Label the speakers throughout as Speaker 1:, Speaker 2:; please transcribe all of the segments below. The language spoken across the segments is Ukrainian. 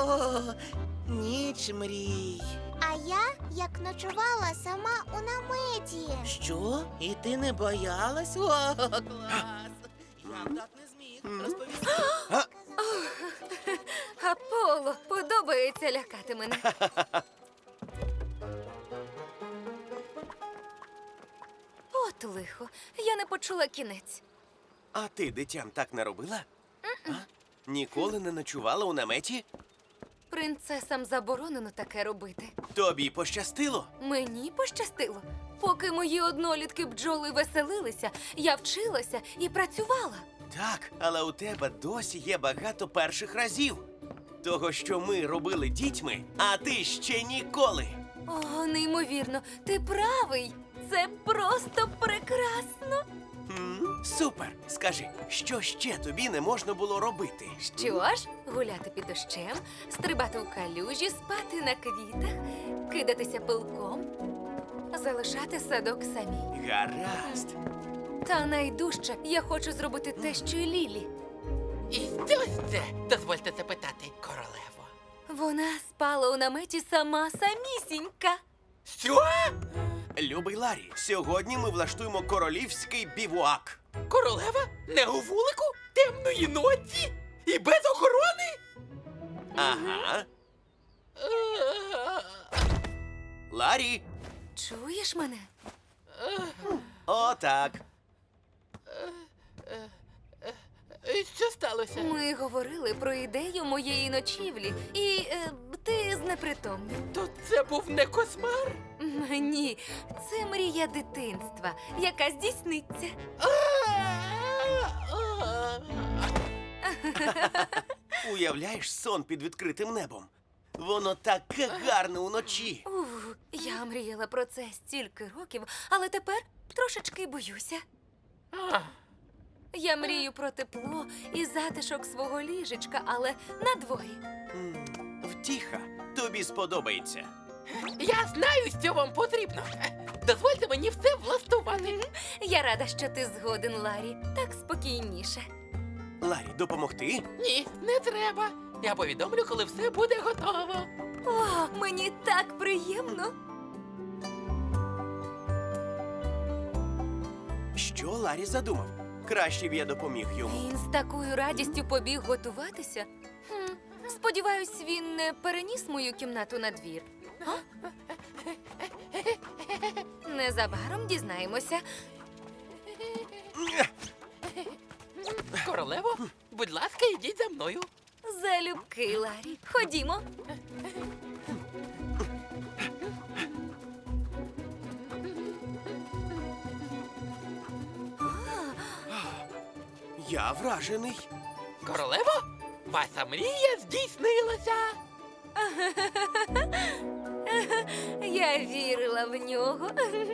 Speaker 1: О, ніч мрій.
Speaker 2: А я, як ночувала сама у наметі.
Speaker 1: Що? І ти не боялась? О, клас! Я б так не зміг розповісти.
Speaker 3: Аполло, подобається лякати мене. От лихо, я не почула кінець.
Speaker 4: А ти, дитям, так не робила? А? Ніколи не ночувала у наметі?
Speaker 3: Принцесам заборонено таке робити.
Speaker 4: Тобі пощастило?
Speaker 3: Мені пощастило. Поки мої однолітки бджоли веселилися, я вчилася і працювала.
Speaker 4: Так, але у тебе досі є багато перших разів. Того, що ми робили дітьми, а ти ще ніколи.
Speaker 3: О, неймовірно, ти правий. Це просто прекрасно.
Speaker 4: Супер! Скажи, що ще тобі не можна було робити?
Speaker 3: Що ж, гуляти під дощем, стрибати у калюжі, спати на квітах, кидатися пилком, залишати садок самій.
Speaker 4: Гаразд.
Speaker 3: Та найдужче я хочу зробити те, що й Лілі.
Speaker 5: І що це? Дозвольте запитати, королево.
Speaker 3: Вона спала у наметі сама самісінька.
Speaker 5: Що?
Speaker 4: Любий Ларі, сьогодні ми влаштуємо королівський бівуак.
Speaker 5: Королева? Не у вулику? Темної ночі? І без охорони?
Speaker 4: Ага. Ларі,
Speaker 3: Чуєш мене?
Speaker 4: отак.
Speaker 5: І що сталося?
Speaker 3: Ми говорили про ідею моєї ночівлі, і ти знепритомнів.
Speaker 5: То це був не кошмар?
Speaker 3: Ні, це мрія дитинства, яка здійсниться.
Speaker 4: Уявляєш сон під відкритим небом? Воно таке гарне уночі.
Speaker 3: Я мріяла про це стільки років, але тепер трошечки боюся. Я мрію про тепло і затишок свого ліжечка, але на дворі.
Speaker 4: Втіха, тобі сподобається.
Speaker 5: Я знаю, що вам потрібно. Дозвольте мені все влаштувати.
Speaker 3: Я рада, що ти згоден, Ларі. Так спокійніше.
Speaker 4: Ларі, допомогти?
Speaker 5: Ні, не треба. Я повідомлю, коли все буде готово.
Speaker 3: О, мені так приємно.
Speaker 4: Що Ларі задумав? Краще б я допоміг йому.
Speaker 3: Він з такою радістю побіг готуватися. Сподіваюсь, він не переніс мою кімнату на двір. А? Незабаром дізнаємося.
Speaker 5: Королево, будь ласка, йдіть за мною.
Speaker 3: Залюбки, Ларі. Ходімо.
Speaker 4: Я вражений.
Speaker 5: Королево, ваша мрія здійснилася.
Speaker 3: Я вірила в нього.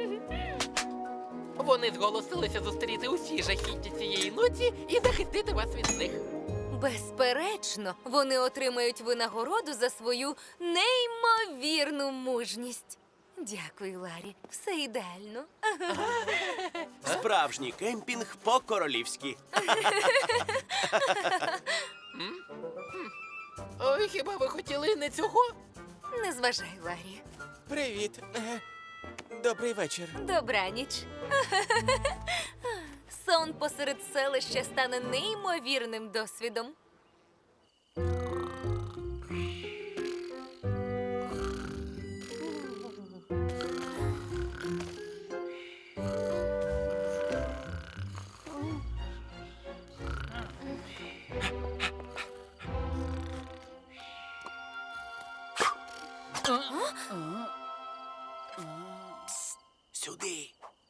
Speaker 5: Вони зголосилися зустріти усі жахіття цієї ночі і захистити вас від них.
Speaker 3: Безперечно, вони отримають винагороду за свою неймовірну мужність. Дякую, Ларі. Все ідеально.
Speaker 4: Справжній кемпінг по-королівськи.
Speaker 5: Ой, хіба ви хотіли не цього?
Speaker 3: Не зважай, Ларі.
Speaker 1: Привіт. Добрий вечір.
Speaker 3: Добраніч. Сон посеред селища стане неймовірним досвідом.
Speaker 4: Сюди.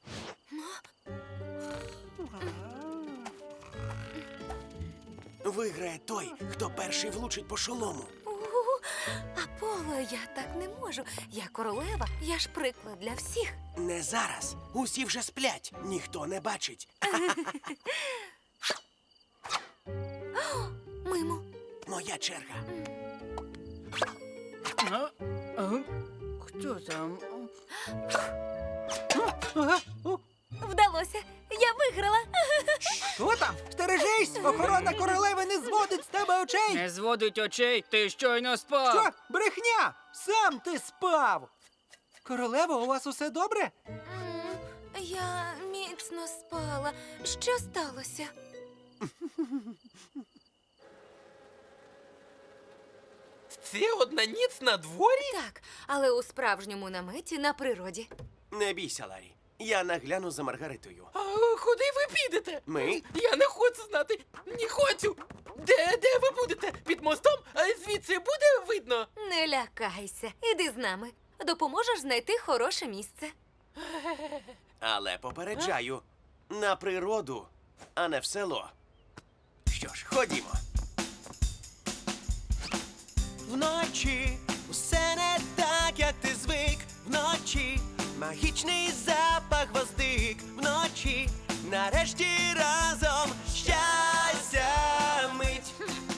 Speaker 4: Виграє той, хто перший влучить по шолому.
Speaker 3: Аполло, я так не можу. Я королева, я ж приклад для всіх.
Speaker 4: Не зараз. Усі вже сплять. Ніхто не бачить.
Speaker 3: Мимо.
Speaker 4: Моя черга.
Speaker 1: Хто там?
Speaker 3: Вдалося. Я виграла.
Speaker 1: Що там? Стережись!
Speaker 6: Заткнись! Охорона королеви не зводить з тебе очей!
Speaker 7: Не зводить очей, ти щойно спав.
Speaker 6: Що? Брехня! Сам ти спав! Королево, у вас усе добре?
Speaker 3: Я міцно спала. Що сталося?
Speaker 5: Це одна ніч на дворі?
Speaker 3: Так, але у справжньому наметі на природі.
Speaker 4: Не бійся, Ларі. Я нагляну за Маргаритою.
Speaker 5: А куди ви підете?
Speaker 4: Ми?
Speaker 5: Я не хочу знати. Не хочу. Де ви будете? Під мостом? А звідси буде видно?
Speaker 3: Не лякайся, іди з нами. Допоможеш знайти хороше місце.
Speaker 4: Але попереджаю, на природу, а не в село. Що ж, ходімо. Вночі усе не так, як ти звик. Вночі магічний запах гвоздик. Вночі нарешті разом щастя мить.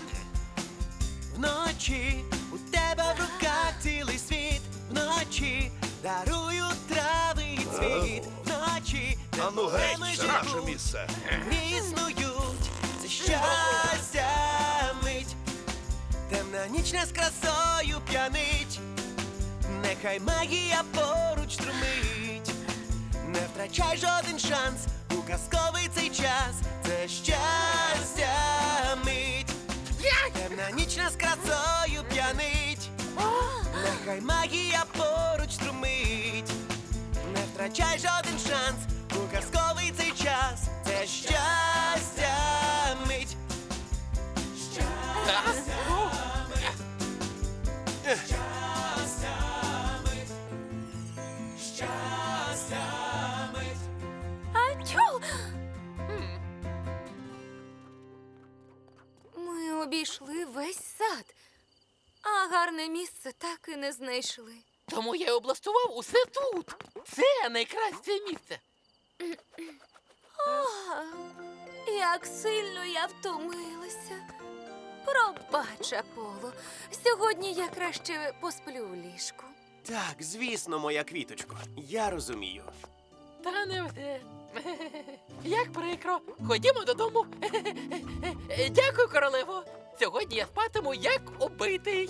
Speaker 4: Вночі у тебе в руках цілий світ. Вночі дарую трави і цвіт. Вночі
Speaker 8: Ану геть, це наше місце.
Speaker 4: існують. Це щастя мить. Темна ніч не з красою п'янить. Нехай магія поруч струмить. Не втрачай жоден шанс у казковий цей час. Це щастя мить. Темна ніч не з красою п'янить. Нехай магія поруч струмить. Не втрачай жоден шанс у казковий цей час. Це щастя мить.
Speaker 3: Ачу! Ми обійшли весь сад, а гарне місце так і не знайшли.
Speaker 5: Тому я й облаштував усе тут. Це найкраще місце.
Speaker 3: Як сильно я втомилася. Пробач, Аполло. Сьогодні я краще посплю у ліжку.
Speaker 4: Так, звісно, моя квіточко. Я розумію.
Speaker 5: Та не все. Як прикро. Ходімо додому. Дякую, королево. Сьогодні я спатиму як убитий.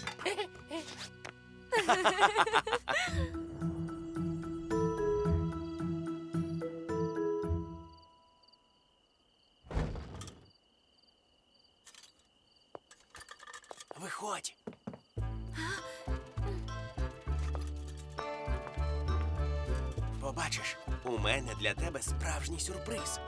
Speaker 4: Виходь. Побачиш, у мене для тебе справжній сюрприз.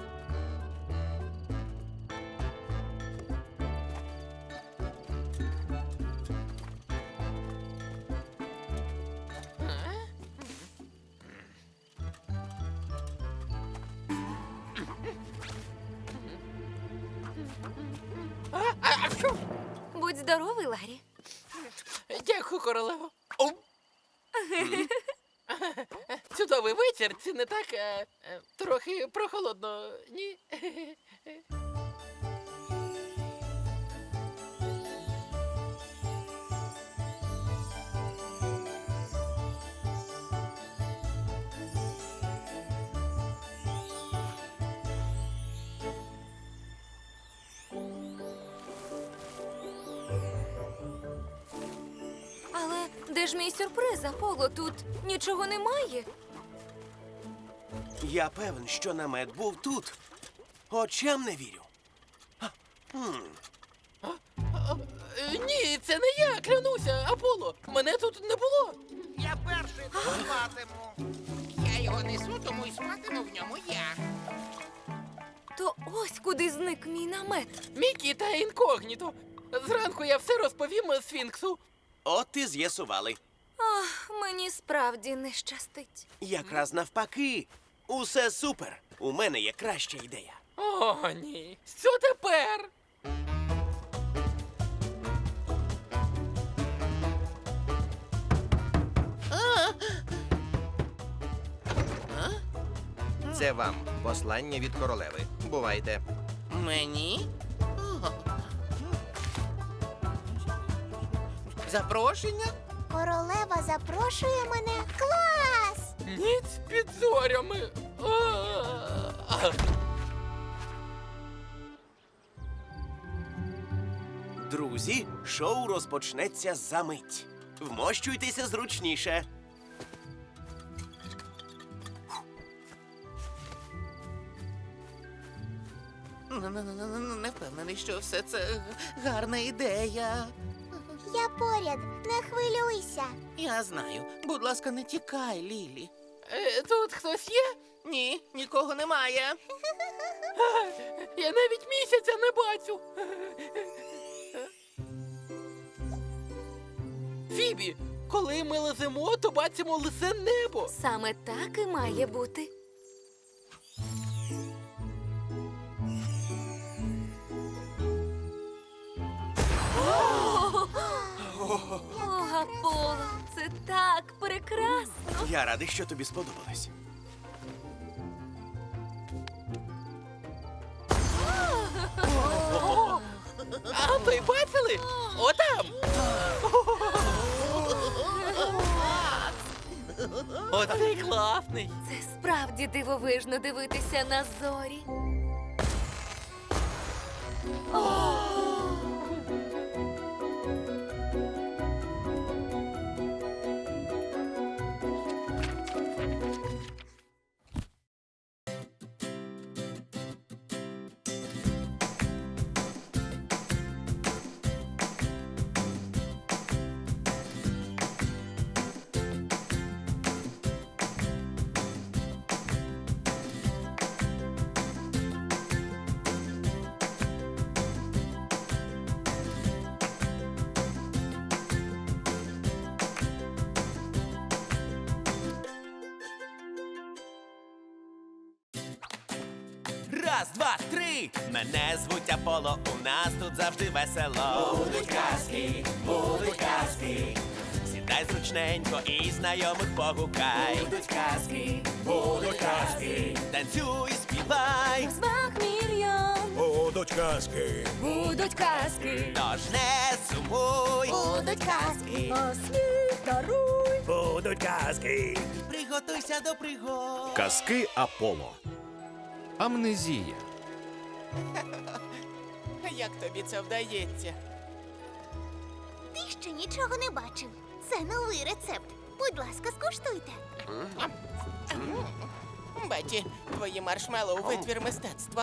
Speaker 5: Що?
Speaker 3: Будь здоровий, Ларі.
Speaker 5: Дякую, королево. Чудовий вечір, це не так трохи прохолодно, ні?
Speaker 3: Але де ж мій сюрприз, Аполло? Тут нічого немає.
Speaker 4: Я певен, що намет був тут. Очам не вірю.
Speaker 5: Ні, це не я, клянуся, Аполло. Мене тут не було.
Speaker 1: Я перший тут спатиму. Я його несу, тому й спатиму в ньому я.
Speaker 3: То ось куди зник мій намет.
Speaker 5: Мікі та інкогніто. Зранку я все розповім Сфінксу.
Speaker 4: От і з'ясували.
Speaker 3: Ах, мені справді не щастить.
Speaker 4: Якраз навпаки. Усе супер. У мене є краща ідея.
Speaker 5: О, ні. Що тепер?
Speaker 9: Це вам послання від королеви. Бувайте.
Speaker 1: Мені? О. Запрошення?
Speaker 2: Королева запрошує мене. Клас!
Speaker 5: Ніч під зорями.
Speaker 4: Друзі, шоу розпочнеться за мить. Вмощуйтеся зручніше.
Speaker 1: Не впевнений, що все це гарна ідея.
Speaker 2: Я поряд, не хвилюйся.
Speaker 1: Я знаю. Будь ласка, не тікай, Лілі.
Speaker 5: Тут хтось є?
Speaker 1: Ні, нікого немає.
Speaker 5: Я навіть місяця не бачу. Фібі, коли ми леземо, то бачимо лисе небо.
Speaker 3: Саме так і має бути. О, Аполло, це так прекрасно.
Speaker 4: Я радий, що тобі сподобалось.
Speaker 5: А ви бачили? Отам! Оцей класний.
Speaker 3: Це справді дивовижно дивитися на зорі.
Speaker 4: Раз, два, три! Мене звуть Аполло, у нас тут завжди весело. Будуть казки. Сідай зручненько і знайомих погукай. Будуть казки. Танцюй, співай.
Speaker 3: Розваг мільйон.
Speaker 8: Будуть казки.
Speaker 3: Будуть казки.
Speaker 4: Тож не сумуй.
Speaker 2: Будуть казки.
Speaker 3: Осміх даруй.
Speaker 8: Будуть казки.
Speaker 4: Приготуйся до пригод.
Speaker 8: Казки Аполло. Амнезія.
Speaker 5: Як тобі це вдається?
Speaker 2: Ти ще нічого не бачив. Це новий рецепт. Будь ласка, скуштуйте.
Speaker 5: Беті, твої маршмеллоу – витвір мистецтва.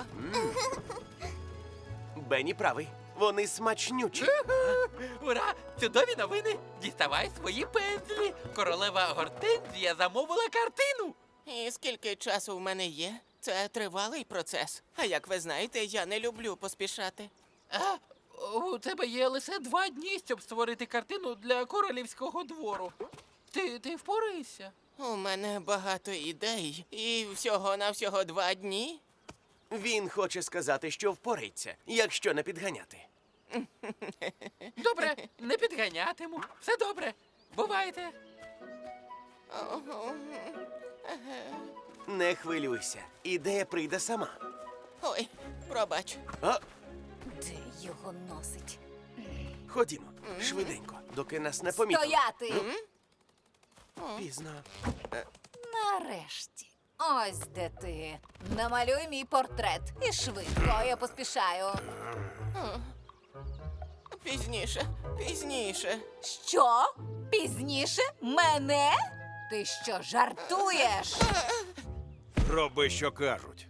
Speaker 4: Бенні правий. Вони смачнючі.
Speaker 5: Ура! Чудові новини! Діставай свої пензлі! Королева Гортензія замовила картину! І скільки часу в мене є? Це тривалий процес. А як ви знаєте, я не люблю поспішати. У тебе є лише 2 дні, щоб створити картину для королівського двору. Ти впорайся. У мене багато ідей. І всього-навсього 2 дні.
Speaker 4: Він хоче сказати, що впорається, якщо не підганяти.
Speaker 5: Добре, не підганятиму. Все добре. Бувайте.
Speaker 4: Не хвилюйся, ідея прийде сама.
Speaker 5: Ой, пробач.
Speaker 4: А,
Speaker 3: Де його носить?
Speaker 4: ходімо, швиденько, доки нас не помітили.
Speaker 3: Стояти!
Speaker 4: Пізно.
Speaker 3: Нарешті. Ось де ти. Намалюй мій портрет. І швидко, я поспішаю.
Speaker 5: Пізніше.
Speaker 3: Що? Пізніше? Мене? Ти що, жартуєш?
Speaker 8: Роби, що кажуть.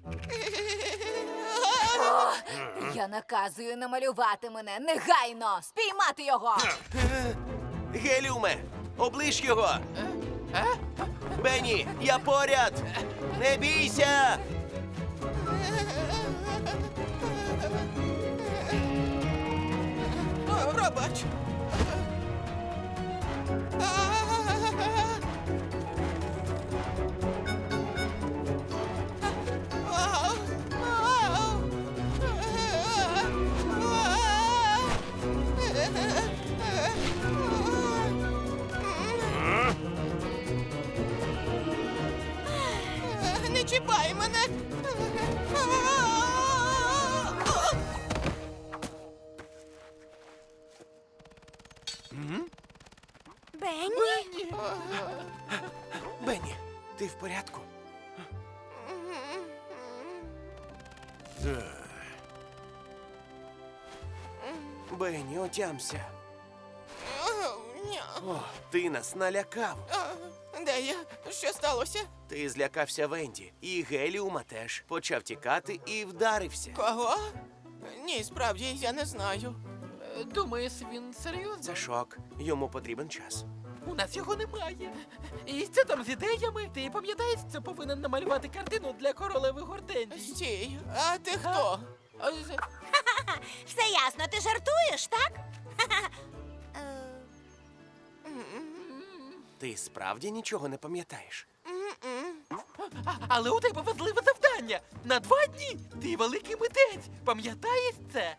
Speaker 3: Я наказую намалювати мене негайно! Спіймати його!
Speaker 4: Геліуме, оближ його! Бенні, я поряд! Не бійся!
Speaker 5: Пробач. Не чіпай мене!
Speaker 2: Бенні?
Speaker 4: Бенні, ти в порядку? Бенні, отямся.
Speaker 1: Ня.
Speaker 4: О, ти нас налякав.
Speaker 1: Де я? Що сталося?
Speaker 4: Ти злякався Венді. І Геліума теж. Почав тікати і вдарився.
Speaker 1: Кого? Ні, справді, я не знаю.
Speaker 5: Думаєш, він серйозно?
Speaker 4: Це шок. Йому потрібен час.
Speaker 5: У нас його немає. І що там з ідеями? Ти пам'ятаєш, що повинен намалювати картину для королеви Гортензії?
Speaker 1: Стій, а ти хто?
Speaker 5: А,
Speaker 2: Все ясно, ти жартуєш, так?
Speaker 4: Ти справді нічого не пам'ятаєш?
Speaker 5: Але у тебе важливе завдання. На 2 дні ти великий митець. Пам'ятаєш це?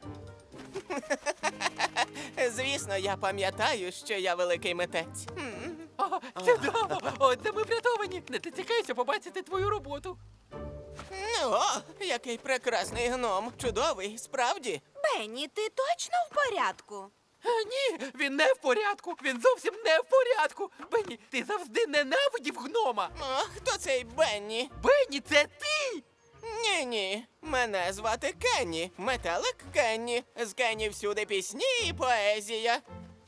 Speaker 1: Звісно, я пам'ятаю, що я великий митець.
Speaker 5: О, чудово! Отже, ми врятовані. Не дочекайся побачити твою роботу.
Speaker 1: О, який прекрасний гном. Чудовий, справді.
Speaker 2: Бенні, ти точно в порядку?
Speaker 5: Ні, він не в порядку. Він зовсім не в порядку. Бенні, ти завжди ненавидів гнома.
Speaker 1: О, хто цей Бенні?
Speaker 5: Бенні, це ти!
Speaker 1: Ні. Мене звати Кенні. Метелик Кенні. З Кенні всюди пісні і поезія.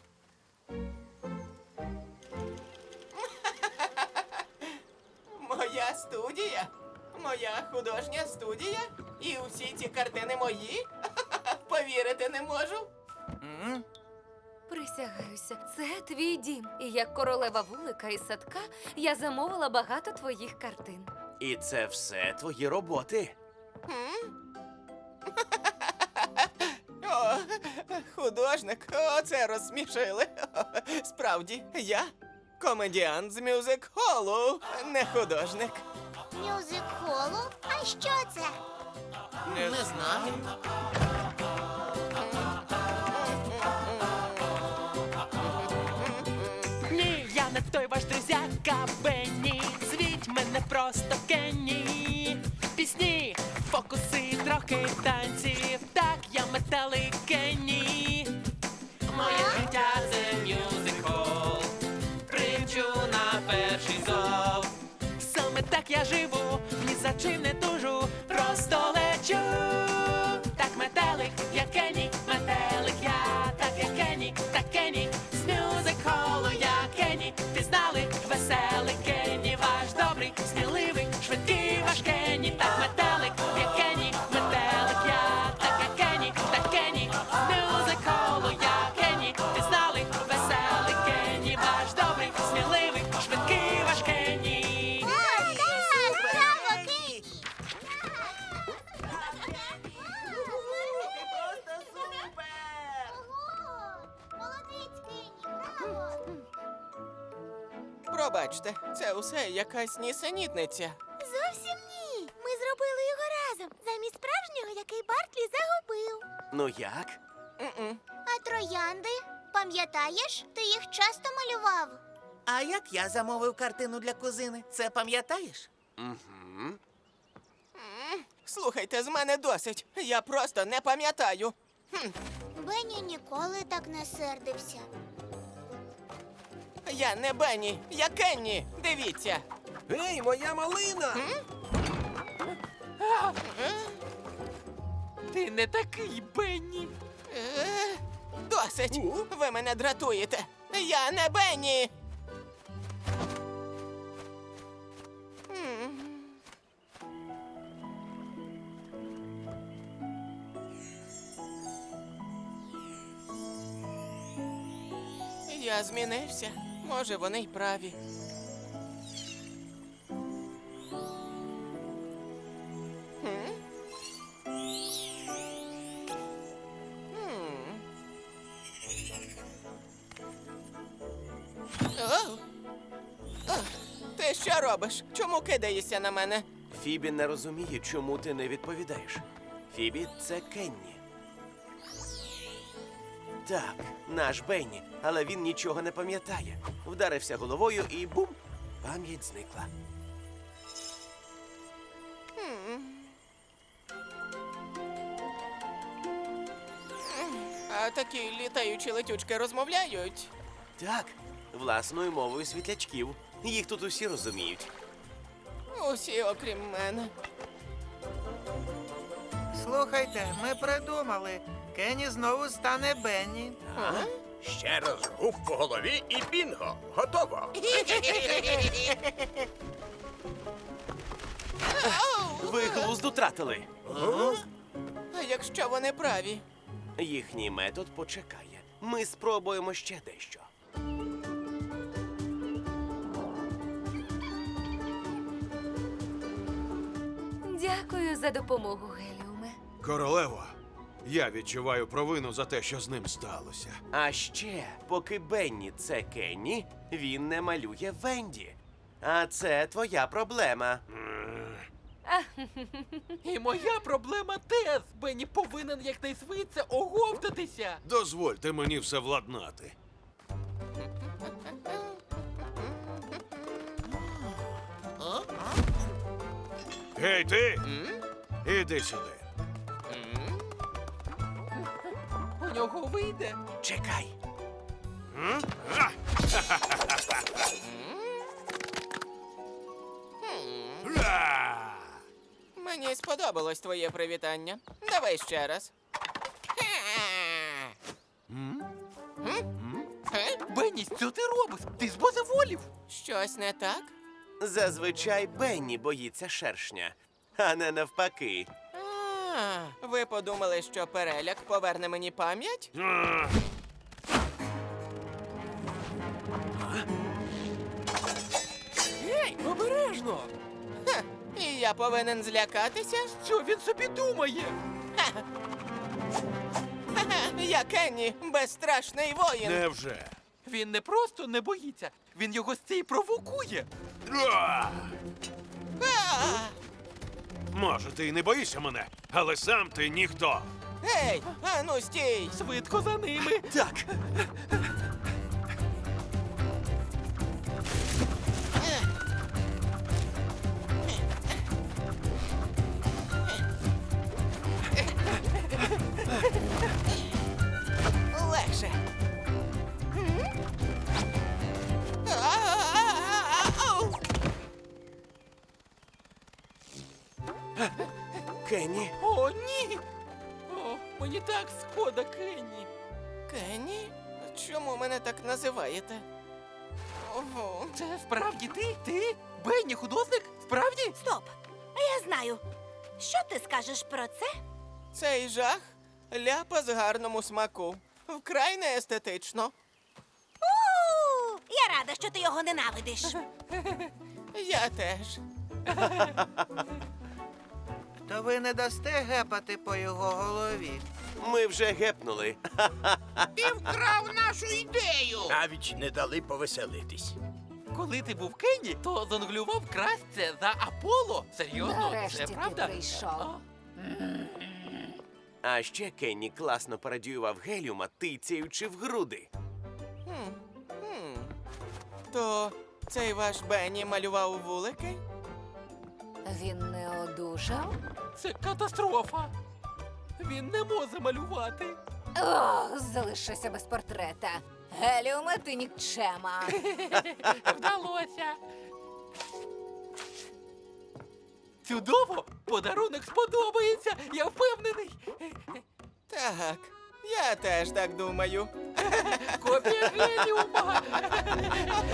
Speaker 1: Моя студія. Моя художня студія. І усі ці картини мої. Повірити не можу.
Speaker 3: Присягаюся, це твій дім. І як королева вулика із садка я замовила багато твоїх картин.
Speaker 4: І це все твої роботи.
Speaker 1: О, художник, оце розсмішили. Справді, я комедіант з мюзик-холу, не художник.
Speaker 2: Мюзик-холу? А що це?
Speaker 1: Не знаю.
Speaker 10: Ні, я не той ваш друзяка Бенні. Звіть мене просто Кенні. Пісні, фокуси, трохи танців. Так, я метелик Кенні. Моє життя це мюзик-хол. Примчу на перший зов. Саме так я живу, ні за чим не тужу, просто лечу. Так метелик, я Кенні, метелик я, так я Кенні, так Кенні. З мюзик-холу я Кенні, пізнали, веселий Кенні, ваш добрий, сміливий, швидкий ваш Кенні. Так метелик, я Кенні, метелик я, так я Кенні, так Кенні. З мюзик-холу я Кенні, пізнали, веселий Кенні, ваш добрий, сміливий, швидкий ваш Кенні.
Speaker 2: Браво, Кенні!
Speaker 1: Просто супер!
Speaker 2: Ого! Молодець, Кенні, браво!
Speaker 1: Пробачте, це усе якась нісенітниця.
Speaker 2: Зовсім ні. Ми зробили його разом, замість справжнього, який Бартлі загубив.
Speaker 4: Ну як?
Speaker 2: А троянди? Пам'ятаєш? Ти їх часто малював.
Speaker 1: А як я замовив картину для кузини? Це пам'ятаєш?
Speaker 4: Угу.
Speaker 1: Слухайте, з мене досить. Я просто не пам'ятаю.
Speaker 2: Бенні ніколи так не сердився.
Speaker 1: Я не Бенні, я Кенні. Дивіться.
Speaker 9: Гей, моя малина!
Speaker 5: Ти не такий, Бенні.
Speaker 1: Досить. Ви мене дратуєте. Я не Бенні. Я змінився. Може, вони й праві. Ти що робиш? Чому кидаєшся на мене?
Speaker 4: Фібі не розуміє, чому ти не відповідаєш. Фібі — це Кенні. Так, наш Бенні, але він нічого не пам'ятає. Вдарився головою і бум! Пам'ять зникла.
Speaker 1: А такі літаючі летючки розмовляють?
Speaker 4: Так, власною мовою світлячків. Їх тут усі розуміють.
Speaker 1: Усі, окрім мене.
Speaker 6: Слухайте, ми придумали.
Speaker 9: Кенні знову стане Бенні.
Speaker 8: Ще раз гуп по голові і бінго. Готово.
Speaker 4: Ви глузд утратили.
Speaker 1: А якщо вони праві?
Speaker 4: Їхній метод почекає. Ми спробуємо ще дещо.
Speaker 3: Дякую за допомогу, Геліуме.
Speaker 8: Королево, я відчуваю провину за те, що з ним сталося.
Speaker 4: А ще, поки Бенні це Кенні, він не малює Венді. А це твоя проблема.
Speaker 5: І моя проблема теж. Бенні повинен якнайшвидше оговтатися.
Speaker 8: Дозвольте мені все владнати. Гей, ти! Іди сюди.
Speaker 5: У нього вийде.
Speaker 4: Чекай.
Speaker 8: Ра!
Speaker 1: Мені сподобалось твоє привітання. Давай ще раз.
Speaker 5: Бенні, що ти робиш? Ти збожеволів.
Speaker 1: Щось не так?
Speaker 4: Зазвичай Бенні боїться шершня, а не навпаки.
Speaker 1: Ви подумали, що переляк поверне мені пам'ять?
Speaker 5: Гей, обережно!
Speaker 1: Ха, і я повинен злякатися?
Speaker 5: Що він собі думає?
Speaker 1: Ха-ха, я Кенні, безстрашний воїн.
Speaker 8: Невже?
Speaker 5: Він не просто не боїться, він його з цієї провокує.
Speaker 8: Ра!
Speaker 1: А!
Speaker 8: Може, ти й не боїшся мене, але сам ти ніхто.
Speaker 1: Гей, ану стій!
Speaker 5: Швидко за ними.
Speaker 4: Так,
Speaker 1: Легше. Ау!
Speaker 4: Кенні,
Speaker 5: О, ні! О, мені так шкода, Кенні.
Speaker 1: Кенні? Чому мене так називаєте? Ого.
Speaker 5: Це справді ти? Ти? Бенні, художник? Справді?
Speaker 2: Стоп! А я знаю. Що ти скажеш про це?
Speaker 1: Цей жах ляпа з гарному смаку. Вкрай не естетично.
Speaker 2: Я рада, що ти його ненавидиш.
Speaker 1: Я теж.
Speaker 9: То ви не дасте гепати по його голові.
Speaker 4: ми вже гепнули.
Speaker 8: Навіть не дали повеселитись.
Speaker 5: Коли ти був Кенні, то зонглював краще за Аполло. Серйозно,
Speaker 3: Нарешті
Speaker 5: це
Speaker 3: ти
Speaker 5: правда?
Speaker 3: прийшов.
Speaker 5: А?
Speaker 4: А ще Кенні класно пародіював Геліума, тицяючи в груди.
Speaker 1: То цей ваш Бенні малював вулики?
Speaker 3: Він не одужав?
Speaker 5: Це катастрофа. Він не може малювати.
Speaker 3: О, залишися без портрета. Геліуме, ти нікчема.
Speaker 5: Вдалося. Чудово! Подарунок сподобається, я впевнений.
Speaker 1: Так, я теж так думаю.
Speaker 5: Копія геліума.